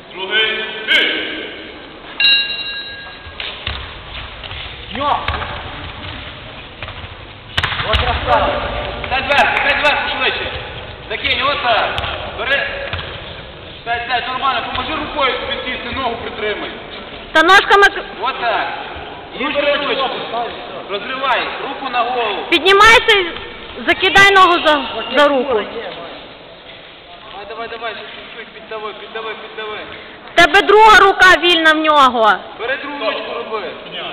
Другий, ти! Ньо! Ось красава! Дай зверху, швидше. Закинь, отак. Бери. Сядь, нормально, поможи рукою собі сісти, ногу притримай. Та ножками Отак. І бери ручку. Розривай, руку на голову. піднімайся і закидай ногу за руку. Давай, піддави. В тебе друга рука вільна в нього. Бери другу ручку роби.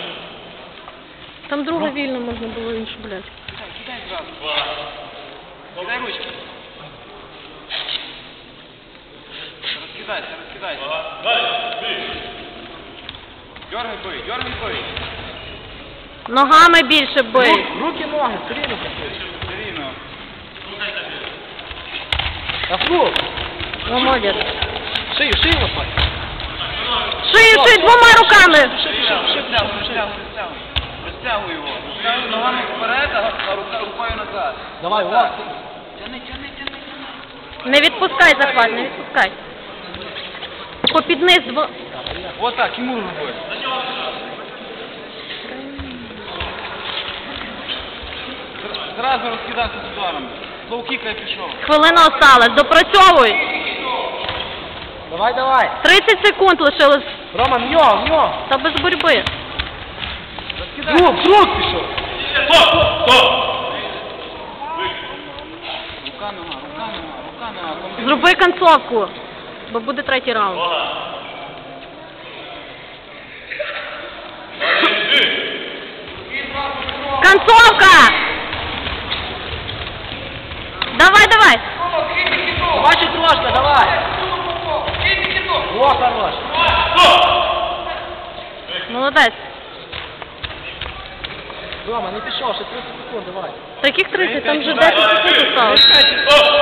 Там друга вільна, можна було іншу, блядь. Кидай зразу. Кидай ручку. Розкидайся. Далі, бій! Дергай бий. Ногами більше бий. Руки, ноги, все рівно. Все рівно. Афлу! Ну, молодець. Шию лопать. Шию двома руками. Розтягуй його. Розтягуй ногами вперед, а рукою назад. Давай, Так. увага. Тяни. Не відпускай захват, не відпускай. Попід низ Отак, Тимур роби. Зразу розкидайся з ударом. Лоу-кікай пішов. Хвилина осталась. Допрацьовуй. Давай. 30 секунд лишилось. Роман, в нього. Та без боротьби. Друг пішов. Стоп! Рука, нога. Зроби концовку, бо буде третій раунд. Увага! Далі, бій! Концовка! Давай! Бачить трошки, давай. О, хорош. Молодець. Рома, не пішов, ще 30 секунд, давай. Таких 30, там вже 10 секунд осталось. Стоп!